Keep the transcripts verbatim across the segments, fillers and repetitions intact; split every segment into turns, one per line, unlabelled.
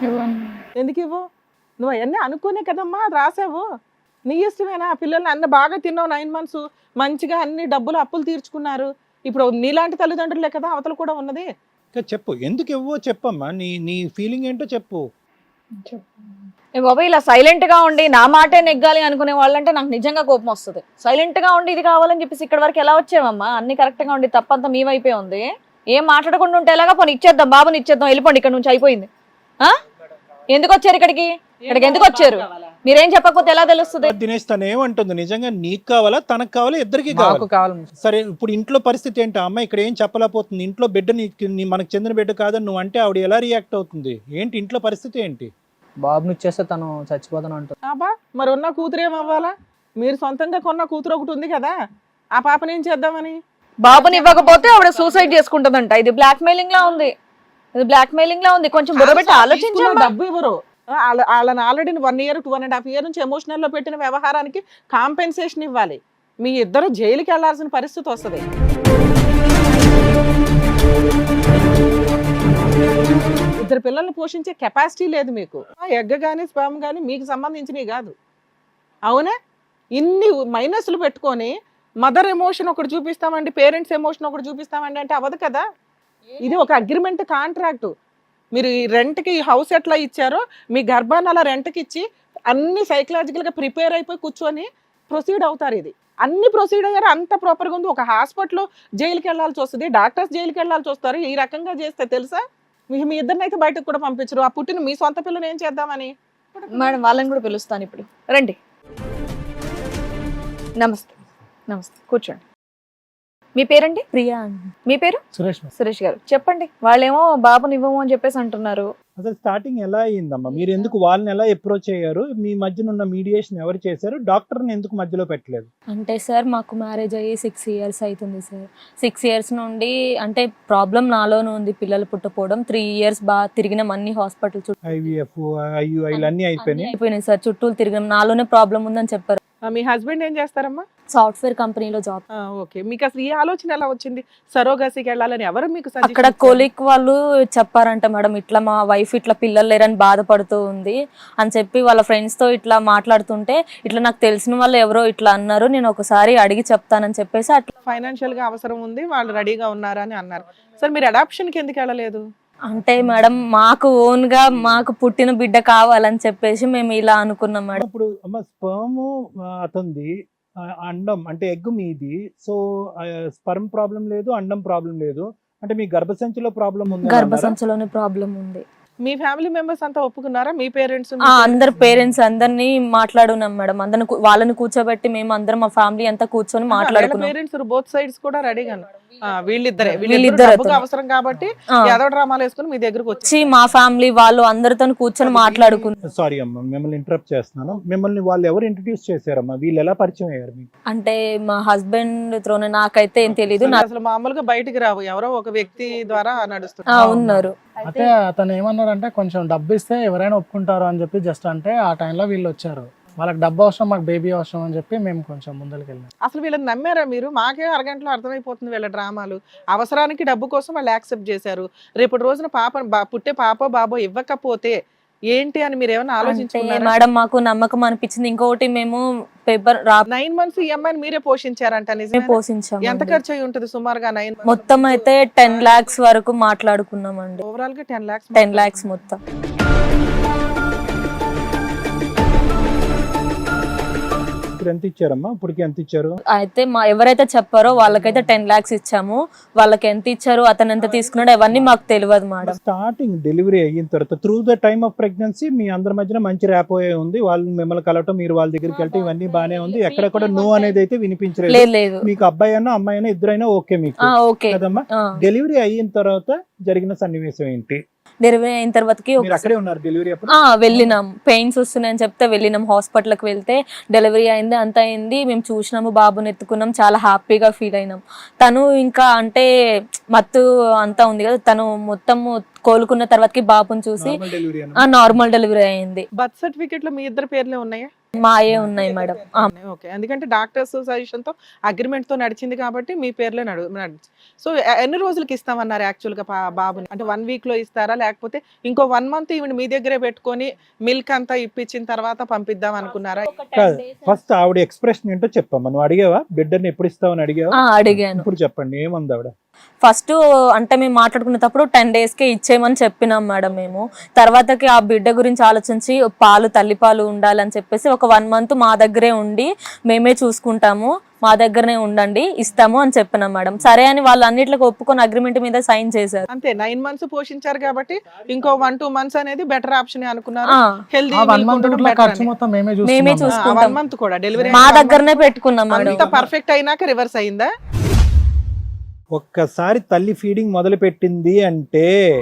ఇవ్వను.
ఎందుకు ఇవ్వు? నువ్వు అవన్నీ అనుకునే కదమ్మా రాసావు. నీ ఇష్టమేనా? పిల్లల్ని అన్న బాగా తిన్నావు నైన్ మంత్స్ మంచిగా అన్ని డబ్బులు అప్పులు తీర్చుకున్నారు. ఇప్పుడు నీలాంటి తల్లిదండ్రులే కదా అవతల కూడా ఉన్నది.
ఇంకా చెప్పు ఎందుకు ఇవ్వో చెప్పమ్మా, నీ నీ ఫీలింగ్ ఏంటో చెప్పు.
ఏ బాబా ఇలా సైలెంట్ గా ఉండి నా మాటే నెగ్గాలి అనుకునే వాళ్ళంటే నాకు నిజంగా కోపం వస్తుంది. సైలెంట్ గా ఉండి ఇది కావాలని చెప్పేసి ఇక్కడ వరకు ఎలా వచ్చావమ్మా? అన్ని కరెక్ట్ గా ఉండి తప్పంతా మీ వైపే ఉంది. ఏం మాట్లాడకుండా ఉంటే ఎలాగా? పోనీ ఇచ్చేద్దాం, బాబుని ఇచ్చేద్దాం, వెళ్ళిపోండి ఇక్కడ నుంచి, అయిపోయింది. ఆ ఎందుకు వచ్చారు ఇక్కడికి? ఇక్కడికి ఎందుకు వచ్చారు? మీరేం చెప్పకపోతే ఎలా తెలుస్తుంది?
దినేష్ తను ఏమంటుంది, నిజంగా నీకు కావాలా తనకు కావాలా ఇద్దరికి కావాలి? సరే ఇప్పుడు ఇంట్లో పరిస్థితి ఏంటి? అమ్మ ఇక్కడ ఏం చెప్పలేకపోతుంది, ఇంట్లో బిడ్డ నీ మనకు చెందిన బిడ్డ కాదని నువ్వు అంటే ఆవిడ ఎలా రియాక్ట్ అవుతుంది ఏంటి? ఇంట్లో పరిస్థితి ఏంటి?
బాబుని ఇచ్చేస్తే తను చచ్చిపోతాను అంటుంది.
అబ్బా మరి ఉన్న కూతురు ఏమవ్వాలా? మీరు సొంతంగా కొన్న కూతురు ఒకటి ఉంది కదా, ఆ పాపని ఏం చేద్దామని?
బాబుని ఇవ్వకపోతే ఆవిడ సూసైడ్ చేసుకుంటుందంట. ఇది బ్లాక్ మెయిలింగ్ లా ఉంది, ఇది బ్లాక్ మెయిలింగ్ లా ఉంది. కొంచెం బుర్రబెట్టి ఆలోచించండి.
డబ్బు ఇవ్వరు. వాళ్ళని already one year two and half year నుంచి ఎమోషనల్ లో పెట్టిన వ్యవహారానికి కాంపెన్సేషన్ ఇవ్వాలి. మీ ఇద్దరు జైలుకి వెళ్లాల్సిన పరిస్థితి వస్తుంది. ఇద్దరు పిల్లల్ని పోషించే కెపాసిటీ లేదు మీకు. ఎగ్ కానీ స్పర్మ్ కానీ మీకు సంబంధించినవి కాదు. అవునా? ఇన్ని మైనస్లు పెట్టుకొని మదర్ ఎమోషన్ ఒకటి చూపిస్తామండి, పేరెంట్స్ ఎమోషన్ ఒకటి చూపిస్తామండి అంటే అవ్వదు కదా. ఇది ఒక అగ్రిమెంట్ కాంట్రాక్ట్. మీరు ఈ రెంట్కి ఈ హౌస్ ఎట్లా ఇచ్చారో మీ గర్భాన్ని అలా రెంట్కి ఇచ్చి అన్ని సైకలాజికల్గా ప్రిపేర్ అయిపోయి కూర్చొని ప్రొసీడ్ అవుతారు. ఇది అన్ని ప్రొసీడ్ అయ్యారు, అంత ప్రాపర్గా ఉంది. ఒక హాస్పిటల్ జైలుకి వెళ్ళాల్సి వస్తుంది, డాక్టర్స్ జైలుకి వెళ్ళాల్సి వస్తారు. ఈ రకంగా చేస్తే తెలుసా మీ మీ ఇద్దరిని అయితే బయటకు కూడా పంపించరు. ఆ పుట్టిన మీ సొంత పిల్లని ఏం చేద్దామని?
మేడం వాళ్ళని కూడా పిలుస్తాను ఇప్పుడు. రండి, నమస్తే. నమస్తే, కూర్చోండి. మీ పేరండి?
ప్రియా.
మీ పేరు?
సురేష్.
సురేష్ గారు చెప్పండి. వాళ్ళేమో బాబుని ఇవ్వము అని చెప్పేసి అంటున్నారు.
అసలు స్టార్టింగ్ ఎలా అయ్యిందమ్మా? మీరు ఎందుకు వాళ్ళని ఎలా అప్రోచ్ అయ్యారు? మీ మధ్యన ఉన్న మీడియేషన్ ఎవరు చేశారు? డాక్టర్ని ఎందుకు మధ్యలో పెట్టలేదు?
అంటే సార్ మాకు మ్యారేజ్ అయ్యి సిక్స్ ఇయర్స్ అవుతుంది సార్. సిక్స్ ఇయర్స్ నుండి అంటే ప్రాబ్లం నాలోనే ఉంది, పిల్లలు పుట్టపోవడం. త్రీ ఇయర్స్ బాగా తిరిగినాం అన్ని హాస్పిటల్ చుట్టూ,
ఐవీఎఫ్ ఐయుఐలు అన్ని అయిపోయినాయి
అయిపోయినాయి సార్. చుట్టూ తిరిగినాం, నాలోనే ప్రాబ్లం ఉందని చెప్పారు.
మీ హస్బెండ్ ఏం చేస్తారమ్మా?
సాఫ్ట్వేర్ కంపెనీలో జాబ్.
ఓకే, మీకు అసలు ఈ ఆలోచన ఎలా వచ్చింది సరోగసికి వెళ్ళాలని? ఎవరు మీకు
అక్కడ కొలీగ్ వాళ్ళు చెప్పారంట మేడం, ఇట్లా మా వైఫ్ ఇట్లా పిల్లలు లేరని బాధపడుతూ ఉంది అని చెప్పి వాళ్ళ ఫ్రెండ్స్ తో ఇట్లా మాట్లాడుతుంటే ఇట్లా నాకు తెలిసిన వాళ్ళు ఎవరో ఇట్లా అన్నారు, నేను ఒకసారి అడిగి చెప్తానని చెప్పేసి అట్లా.
ఫైనాన్షియల్ గా అవసరం ఉంది, వాళ్ళు రెడీగా ఉన్నారని అన్నారు. సార్ మీరు అడాప్షన్ కి ఎందుకు వెళ్ళలేదు?
అంటే మేడం మాకు ఓన్ గా మాకు పుట్టిన బిడ్డ కావాలని చెప్పేసి మేము ఇలా అనుకున్నాం మేడం.
ఇప్పుడు అమ్మ స్పర్మ్ అతంది, అండం అంటే ఎగ్ మీది, సో స్పర్మ్ ప్రాబ్లం లేదు, అండం ప్రాబ్లం లేదు అంటే మీ గర్భసంచిలో ప్రాబ్లం ఉంది.
గర్భసంచిలోనే ప్రాబ్లం ఉంది.
మీ ఫ్యామిలీ మెంబర్స్ అంతా ఒప్పుకున్నారా? మీ పేరెంట్స్?
అందరు పేరెంట్స్ అందరినీ మాట్లాడున్నాం మేడం, అందరిని వాళ్ళని కూర్చోబెట్టి మేము అందరం మా ఫ్యామిలీ అంతా కూర్చొని మాట్లాడుకున్నాం.
పేరెంట్స్ బోత్ సైడ్స్ కూడా రెడీగా వీళ్ళిద్దరే వీళ్ళిద్దరు అవసరం కాబట్టి యాదవ డ్రామాలు వేసుకుని మీ దగ్గరకు వచ్చి
మా ఫ్యామిలీ వాళ్ళు అందరితో కూర్చొని మాట్లాడుకున్నాం.
సారీ అమ్మా మిమ్మల్ని ఇంటరప్ట్ చేస్తున్నాను. మిమ్మల్ని వాళ్ళు ఎవరు ఇంట్రడ్యూస్ చేశారమ్మా? వీళ్ళు ఎలా పరిచయం అయ్యారు మీకు?
అంటే మా హస్బెండ్ త్రోనే, నాకైతే ఏం తెలియదు.
అసలు మామూలుగా బయటికి రావు, ఎవరో ఒక వ్యక్తి ద్వారా నడుస్తుంది.
ఉన్నారు.
అయితే అతను ఏమన్నాడంటే కొంచెం డబ్బు ఇస్తే ఎవరైనా ఒప్పుకుంటారు అని చెప్పి జస్ట్ అంటే ఆ టైంలో వీళ్ళు వచ్చారు. వాళ్ళకి డబ్బు అవసరం, మాకు బేబీ అవసరం అని చెప్పి మేము కొంచెం ముందరికి వెళ్ళాం.
అసలు వీళ్ళని నమ్మారా మీరు? మాకే అరగంటలో అర్థమైపోతుంది వీళ్ళ డ్రామాలు. అవసరానికి డబ్బు కోసం వాళ్ళు యాక్సెప్ట్ చేశారు. రేపటి రోజున పాప పుట్టే పాపో బాబో ఇవ్వకపోతే ఏంటి అని మీరు ఏమైనా ఆలోచించుకున్నారా?
మేడం మాకు నమ్మకం అనిపించింది. ఇంకొకటి మేము పేపర్
నైన్ మంత్స్ ఈ అమ్మాయిని మీరే పోషించారంట? నిజమే,
పోషించాం.
ఎంత ఖర్చు అయి ఉంటుంది సుమారుగా? నైన్
మొత్తం అయితే టెన్ లాక్స్ వరకు మాట్లాడుకున్నామండి.
ఓవరాల్ గా టెన్ లాక్స్
టెన్ లాక్స్ మొత్తం.
ఎంత ఇచ్చారమ్మా? ఇప్పటికి ఎంత ఇచ్చారు?
అయితే మా ఎవరైతే చెప్పారో వాళ్ళకైతే టెన్ లాక్స్ ఇచ్చాము. వాళ్ళకి ఎంత ఇచ్చారు, అతను ఎంత తీసుకున్నాడు అవన్నీ మాకు తెలియదు మేడం.
స్టార్టింగ్ డెలివరీ అయిన తర్వాత through the time of pregnancy మీ అందరి మధ్యన మంచి ర్యాపోయే ఉంది. వాళ్ళు మిమ్మల్ని కలవటం, మీరు వాళ్ళ దగ్గరికి వెళ్తే ఇవన్నీ బానే ఉంది. ఎక్కడ కూడా నో అనేది అయితే వినిపించలేదు. మీకు అబ్బాయి అయినా అమ్మాయి అయినా ఇద్దరైనా ఓకే మీకు కదమ్మా? డెలివరీ అయిన తర్వాత జరిగిన సన్నివేశం ఏంటి?
డెలివరీ అయిన తర్వాతకి వెళ్ళినాం, పెయిన్స్ వస్తున్నాయని చెప్తే వెళ్ళినాం హాస్పిటల్కి. వెళ్తే డెలివరీ అయింది, అంత అయింది. మేము చూసినాము, బాబుని ఎత్తుకున్నాం, చాలా హ్యాపీగా ఫీల్ అయినాం. తను ఇంకా అంటే మత్తు అంతా ఉంది కదా, తను మొత్తం కోలుకున్న తర్వాతకి బాబుని చూసి నార్మల్ డెలివరీ అయింది.
బర్త్ సర్టిఫికెట్ లో మీ ఇద్దరు పేర్లే ఉన్నాయా?
మాయే ఉన్నాయి మేడం. ఆ,
ఓకే, ఎందుకంటే డాక్టర్స్ సజెషన్ తో అగ్రిమెంట్ తో నడిచింది కాబట్టి మీ పేర్లో నడు నడిచి సో ఎన్ని రోజులకి ఇస్తామన్నారు యాక్చువల్ గా పా- బాబుని? అంటే వన్ వీక్ లో ఇస్తారా, లేకపోతే ఇంకో వన్ మంత్ ఈవెన్ మీ దగ్గరే పెట్టుకొని మిల్క్ అంతా ఇప్పించిన తర్వాత పంపిద్దాం అనుకున్నారా?
కాదు, ఫస్ట్ ఆవిడ ఎక్స్ప్రెషన్ ఏంటో చెప్పమ్మా. నువ్వు అడిగావా బిడ్డని ఎప్పుడు ఇస్తావని అడిగావా?
ఆ, అడిగాను.
ఇప్పుడు చెప్పండి ఏముంది ఆవిడ?
ఫస్ట్ అంటే మేము మాట్లాడుకునేటప్పుడు టెన్ డేస్ కే ఇచ్చేయమని చెప్పినాం మేడం మేము. తర్వాతకి ఆ బిడ్డ గురించి ఆలోచించి పాలు తల్లిపాలు ఉండాలని చెప్పేసి ఒక వన్ మంత్ మా దగ్గరే ఉండి మేమే చూసుకుంటాము, మా దగ్గరనే ఉండండి, ఇస్తాము అని చెప్పినాం మేడం. సరే అని వాళ్ళు అన్నిట్లకు ఒప్పుకొని అగ్రిమెంట్ మీద సైన్ చేశారు.
అంతే, నైన్ మంత్స్ పోషించారు కాబట్టి ఇంకో వన్ టూ మంత్స్ అనేది బెటర్ ఆప్షన్ అనుకున్నారు.
ఆ,
హెల్దీ
ఆ వన్ మంత్ ఖర్చు మొత్తం మేమే
మేమే
చూసుకున్నాం.
చూసుకుంటాం.
వన్ మంత్ కూడా డెలివరీ
మా దగ్గరనే పెట్టుకున్నాం మేడం.
అంత పర్ఫెక్ట్ అయినాక రివర్స్ అయిందా?
ఒక్కసారి తల్లి ఫీడింగ్ మొదలు పెట్టింది అంటే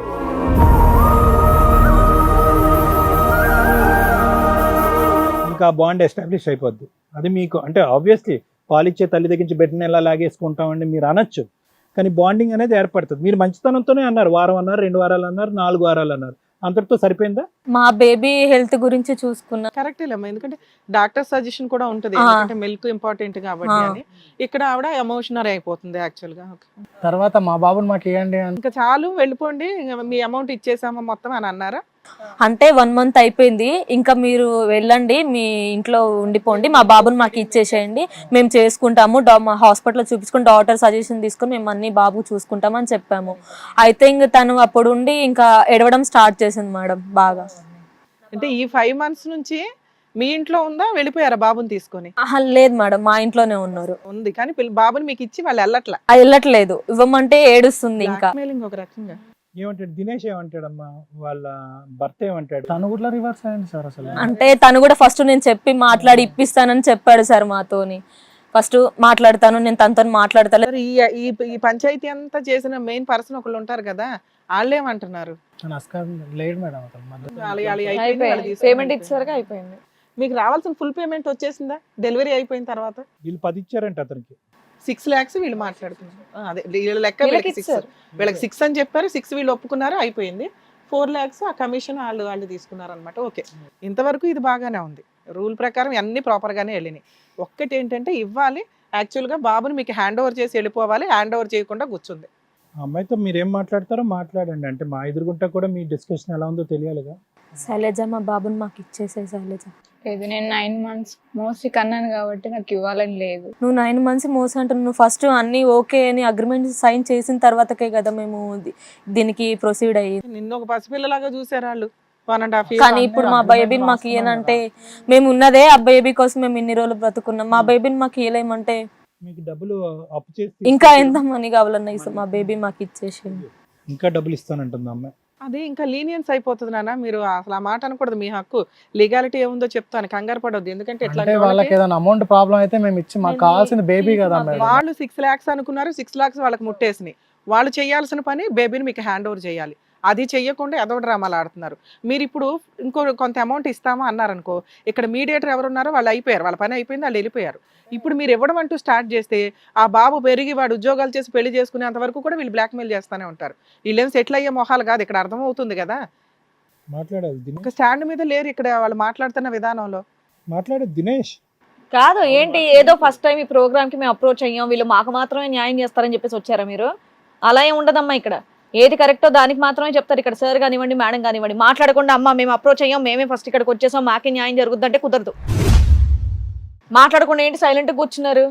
ఇంకా బాండ్ ఎస్టాబ్లిష్ అయిపోద్ది. అది మీకు అంటే ఆబ్వియస్లీ పాలిచ్చే తల్లి దగ్గర నుంచి బిడ్డని ఎలా లాగేసుకుంటామండి మీరు అనొచ్చు, కానీ బాండింగ్ అనేది ఏర్పడుతుంది. మీరు మంచితనంతోనే అన్నారు, వారం అన్నారు, రెండు వారాలు అన్నారు, నాలుగు వారాలు అన్నారు, అంతటితో సరిపోయిందా?
మా బేబీ హెల్త్ గురించి చూసుకున్నా.
కరెక్ట్ లేమ్మా, ఎందుకంటే డాక్టర్ సజెషన్ కూడా ఉంటుంది,
ఆ.
ఎందుకంటే మిల్క్ ఇంపార్టెంట్ కాబట్టి
ఆ.
అని. ఇక్కడ ఆవిడ ఎమోషనల్ అయిపోతుంది యాక్చువల్ గా. Okay.
తర్వాత మా బాబుని మాకు ఇవ్వండి అని
ఇంకా చాలు వెళ్ళిపోండి, ఇంకా మీ అమౌంట్ ఇచ్చేసామా మొత్తం అని అన్నారా?
అంటే వన్ మంత్ అయిపోయింది, ఇంకా మీరు వెళ్ళండి, మీ ఇంట్లో ఉండిపోండి, మా బాబుని మాకు ఇచ్చేసేయండి, మేము చేసుకుంటాము, డా మా హాస్పిటల్లో చూపించుకుని డాక్టర్ సజెషన్ తీసుకొని మేము అన్ని బాబు చూసుకుంటాం అని చెప్పాము. అయితే ఇంక తను అప్పుడు ఉండి ఇంకా ఎడవడం స్టార్ట్ చేసింది మేడం బాగా.
అంటే ఈ ఫైవ్ మంత్స్ నుంచి మీ ఇంట్లో ఉందా, వెళ్ళిపోయారా బాబుని తీసుకొని?
ఆహా, లేదు మేడం, మా ఇంట్లోనే ఉన్నారు.
ఉంది, కానీ పిల్ల- బాబుని మీకు ఇచ్చి వాళ్ళు వెళ్ళట్లా.
అది వెళ్ళట్లేదు, ఇవ్వమంటే ఏడుస్తుంది ఇంకా.
Blackmailing ఒక రకంగా.
ఏమంటాడు దినేష్? ఏమంటాడమ్మా వాళ్ళ భర్త? ఏమంటాడు?
తను కూడా రివర్స్ అయింది సార్ అసలు.
అంటే తను కూడా ఫస్ట్ నేను చెప్పి మాట్లాడి ఇప్పిస్తానని చెప్పాడు సార్ మాతోని. ఫస్ట్ మాట్లాడతాను, నేను తనతో మాట్లాడతాను.
మరి ఈ ఈ- ఈ పంచాయతీ అంతా చేసిన మెయిన్ పర్సన్ ఒకళ్ళు ఉంటారు కదా, వాళ్ళు ఏమంటున్నారు?
తను అస్కార్ లేడు మేడం అతను మధ్య.
వాళ్ళ- వాళ్ళ అయిపోయింది, వాళ్ళు
అయిపోయింది,
తీసుకొని
పేమెంట్
అయిపోయింది.
ఇచ్చేసరికి అయిపోయింది.
మీకు రావాల్సిన ఫుల్ పేమెంట్ వచ్చేసిందా డెలివరీ అయిపోయిన తర్వాత?
వీళ్ళు పది ఇచ్చారంట అతనికి.
సిక్స్ లాక్స్ వీళ్ళు మాట్లాడుతున్నారు. ఆ, అదే వీళ్ళ లెక్క
వీళ్ళకి
వీళ్ళకి సిక్స్
ఇచ్చారు.
వీళ్ళకి సిక్స్ అని చెప్పారు, సిక్స్ వీళ్ళు ఒప్పుకున్నారు, అయిపోయింది. ఫోర్ ల్యాక్స్ ఆ కమిషన్ వాళ్ళు వాళ్ళు తీసుకున్నారు అనమాట. ఓకే, ఇంతవరకు ఇది బాగానే ఉంది, రూల్ ప్రకారం అన్ని ప్రాపర్ గానే వెళ్ళినాయి. ఒక్కటి ఏంటంటే ఇవ్వాలి, యాక్చువల్ గా బాబుని మీకు హ్యాండ్ ఓవర్ చేసి వెళ్ళిపోవాలి, హ్యాండ్ ఓవర్ చేయకుండా కూర్చుంది.
ఆ అమ్మాయితో మీరేం మాట్లాడతారో మాట్లాడండి, అంటే మా ఎదురుగుంటా కూడా మీ డిస్కషన్ ఎలా ఉందో తెలియాలిగా.
శైలజ, మా బాబుని మాకు ఇచ్చేసే శైలజ.
లేదు, నేను నైన్ మంత్స్ మోస్ట్లీ కన్నాను కాబట్టి నాకు ఇవ్వాలని లేదు.
నువ్వు నైన్ మంత్స్ మోసం అంటున్నావు. నువ్వు ఫస్ట్ అన్ని ఓకే అని అగ్రిమెంట్ సైన్ చేసిన తర్వాతకే కదా మేము ది- దీనికి ప్రొసీడ్ అయ్యి.
నిన్న ఒక పసిపిల్లలాగా చూసారు వాళ్ళు, వన్ అండ్ హాఫ్
కానీ ఇప్పుడు మా బేబీని మాకు ఇయ్యనంటే, మేము ఉన్నదే ఆ బేబీ కోసం మేము ఇన్ని రోజులు బ్రతుకున్నాం, మా బేబీని మాకు ఇయ్యలేమంటే
మీకు డబ్బులు అప్పు చేసి
ఇంకా ఎంత మనీ కావాలన్నా ఇస్తాం, మా బేబీ మాకు ఇచ్చేసి.
ఇంకా డబ్బులు ఇస్తానంటుంది ఆ అమ్మాయి.
అదే ఇంకా లీనియన్స్ అయిపోతుంది నాన్న, మీరు అసలు ఆ మాట అనకూడదు. మీ హక్కు, లీగాలిటీ ఏముందో చెప్తాను, కంగారు పడొద్దు. ఎందుకంటే
అంటే
ఇట్లా
వాళ్ళకి ఏదైనా అమౌంట్ ప్రాబ్లం అయితే మేము ఇచ్చి మాకు కావాల్సింది బేబీ కదా మేడం.
వాళ్ళు సిక్స్ లాక్స్ అనుకున్నారు, సిక్స్ లాక్స్ వాళ్ళకి ముట్టేసినాయి. వాళ్ళు చేయాల్సిన పని బేబీని మీకు హ్యాండ్ ఓవర్ చేయాలి, అది చెయ్యకుండా ఏదో డ్రామాలు ఆడుతున్నారు. మీరు ఇప్పుడు ఇంకో కొంత అమౌంట్ ఇస్తామా అన్నారనుకో, ఇక్కడ మీడియేటర్ ఎవరున్నారో వాళ్ళు అయిపోయారు, వాళ్ళ పని అయిపోయింది, వాళ్ళు వెళ్ళిపోయారు. ఇప్పుడు మీరు ఇవ్వడం అంటూ స్టార్ట్ చేస్తే ఆ బాబు పెరిగి వాడు ఉద్యోగాలు చేసి పెళ్లి చేసుకునేంత వరకు కూడా వీళ్ళు బ్లాక్మెయిల్ చేస్తూనే ఉంటారు. వీళ్ళేం సెటిల్ అయ్యే మొహాలు కాదు, ఇక్కడ అర్థమవుతుంది కదా.
మాట్లాడాలి దినేష్,
ఒక స్టాండ్ మీద లేరు ఇక్కడ వాళ్ళు మాట్లాడుతున్న విధానంలో.
మాట్లాడేది దినేష్.
కాదు ఏంటి, ఏదో ఫస్ట్ టైం ఈ ప్రోగ్రామ్ కి మేము అప్రోచ్ అయ్యాం, వీళ్ళు మాకు మాత్రమే న్యాయం చేస్తారని చెప్పేసి వచ్చారా మీరు? అలా ఏం ఉండదమ్మా, ఇక్కడ ఏది కరెక్టో దానికి మాత్రమే చెప్తారు. ఇక్కడ సార్ కానివ్వండి, మేడం కానివ్వండి, మాట్లాడకుండా అమ్మ మేము అప్రోచ్ అయ్యాం, మేమే ఫస్ట్ ఇక్కడికి వచ్చేసాం, మాకే న్యాయం జరుగుద్దంటే కుదరదు. మాట్లాడకుండా ఏంటి సైలెంట్ కూర్చున్నారు?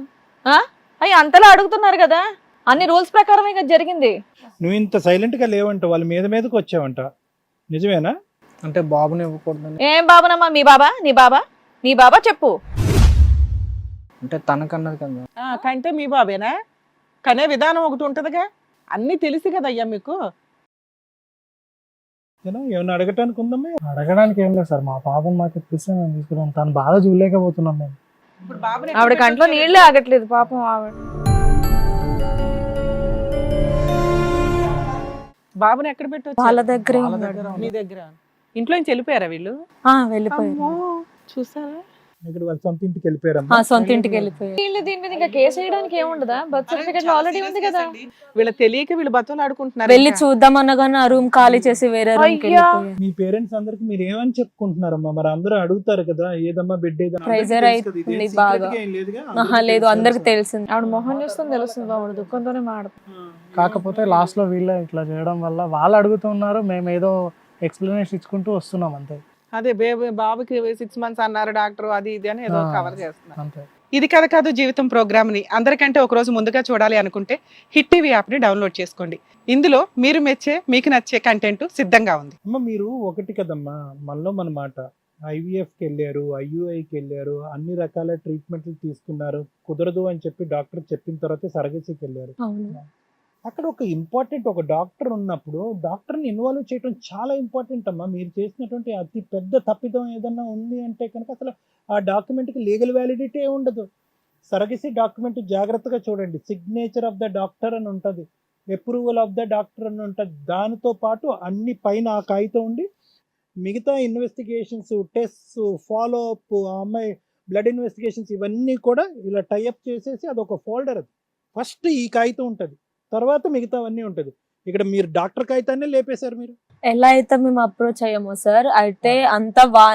అయ్యి అంతలా అడుగుతున్నారు కదా, అన్ని రూల్స్ ప్రకారమే కదా జరిగింది.
నువ్వు ఇంత సైలెంట్ గా లేవంట, వాళ్ళ మీద మీదకి వచ్చావంట, నిజమేనా?
అంటే బాబుని ఇవ్వకూడదని.
ఏం బాబానమ్మా, మీ బాబా, నీ బాబా, నీ బాబా చెప్పు.
అంటే తనకన్నది కదా.
ఆ, కంటే మీ బాబేనా? కనే విధానం ఒకటి ఉంటదిగా, అన్ని తెలిసి కదా అయ్యా మీకు.
ఏనా? ఏమన్నా అడగటానికి ఉందమ్మా?
అడగడానికి ఏం లేదు సార్, మా పాపను మాకు ఇప్పిస్తే మేము తీసుకున్నాం, తను బాధ చూడలేకపోతున్నాం మేము.
ఇప్పుడు బాబుని ఎక్కడ
ఆవిడ కంట్లో
పెట్టొచ్చు?
నీళ్ళే ఆగట్లేదు పాపం ఆవిడ.
బాబుని ఎక్కడ పెట్టొచ్చు?
వాళ్ళ దగ్గరే
వాళ్ళ
ఉన్నాడు.
దగ్గర
మీ దగ్గర. ఇంట్లో నుంచి వెళ్ళిపోయారా వీళ్ళు?
ఆ, వెళ్ళిపోయారు.
అమ్మో, చూసారా
ఇక్కడ వాళ్ళ సొంత ఇంటికి
ఆ,
వెళ్ళిపోయారమ్మా.
సొంత ఇంటికి వెళ్ళిపోయారు.
వీళ్ళు దీని మీద ఇంకా కేసు వేయడానికి ఏముండదా? బర్త్ సర్టిఫికెట్ ఆల్రెడీ ఉంది కదా.
వీళ్ళ తెలియక వీళ్ళు బతులు ఆడుకుంటున్నారు.
వెళ్ళి చూద్దామన్నా కానీ ఆ రూమ్ ఖాళీ చేసి వేరే రూమ్ కి
అయ్యా.
వెళ్ళిపోయారు.
మీ పేరెంట్స్ అందరికి మీరు ఏమని చెప్పుకుంటున్నారమ్మా? మరి అందరూ అడుగుతారు కదా, ఏదమ్మా బిడ్డ ఏదమ్మా?
Pressure అయితుంది బాగా. ఆహా, లేదు, అందరికి తెలిసింది.
ఆవిడ మొహం చూస్తుంది తెలుస్తుంది, ఆవిడ దుఃఖంతోనే మాడుతుంది.
కాకపోతే లాస్ట్ లో వీళ్ళే ఇట్లా చేయడం వల్ల వాళ్ళు అడుగుతున్నారు, మేము ఏదో ఎక్స్ప్లెనేషన్ ఇచ్చుకుంటూ వస్తున్నాం అంతే.
అదే బేబీ బాబుకి సిక్స్ మంత్స్ అన్నారు డాక్టర్, అది ఇది అని ఏదో
ఆ.
కవర్ చేస్తున్నారు.
అంతే.
ఇది కథ కాదు జీవితం ప్రోగ్రామ్ ని అందరికంటే ఒక రోజు ముందుగా చూడాలి అనుకుంటే హిట్ టీవీ యాప్ ని డౌన్లోడ్ చేసుకోండి. ఇందులో మీరు మెచ్చే మీకు నచ్చే కంటెంట్ సిద్ధంగా ఉంది.
అమ్మ మీరు ఒకటి కదమ్మా, మనలో మన మాట ఐవీఎఫ్కి వెళ్ళారు, ఐయుఐకి వెళ్ళారు, అన్ని రకాల ట్రీట్మెంట్లు తీసుకున్నారు, కుదరదు అని చెప్పి డాక్టర్ చెప్పిన తర్వాత సరగసికి వెళ్ళారు.
అవును.
అక్కడ ఒక ఇంపార్టెంట్ ఒక డాక్టర్ ఉన్నప్పుడు డాక్టర్ని ఇన్వాల్వ్ చేయడం చాలా ఇంపార్టెంట్ అమ్మా. మీరు చేసినటువంటి అతి పెద్ద తప్పిదం ఏదన్నా ఉంది అంటే కనుక అసలు ఆ డాక్యుమెంట్కి లీగల్ వ్యాలిడిటీ ఉండదు. సరగసి డాక్యుమెంట్ జాగ్రత్తగా చూడండి, సిగ్నేచర్ ఆఫ్ ద డాక్టర్ అని ఉంటుంది, అప్రూవల్ ఆఫ్ ద డాక్టర్ అని ఉంటుంది. దానితో పాటు అన్ని పైన ఆ కాగితం ఉండి మిగతా ఇన్వెస్టిగేషన్స్, టెస్ట్స్, ఫాలో అప్, ఆ అమ్మాయి బ్లడ్ ఇన్వెస్టిగేషన్స్ ఇవన్నీ కూడా ఇలా టైఅప్ చేసేసి అదొక ఫోల్డర్. అది ఫస్ట్ ఈ కాగితం ఉంటుంది, తర్వాత మిగతావన్నీ ఉంటుంది. ఇక్కడ మీరు డాక్టర్ కాగితాన్ని లేపేశారు మీరు.
ఎలా అయితే మేము అప్రోచ్ అయ్యామో సార్, అయితే అంతా వా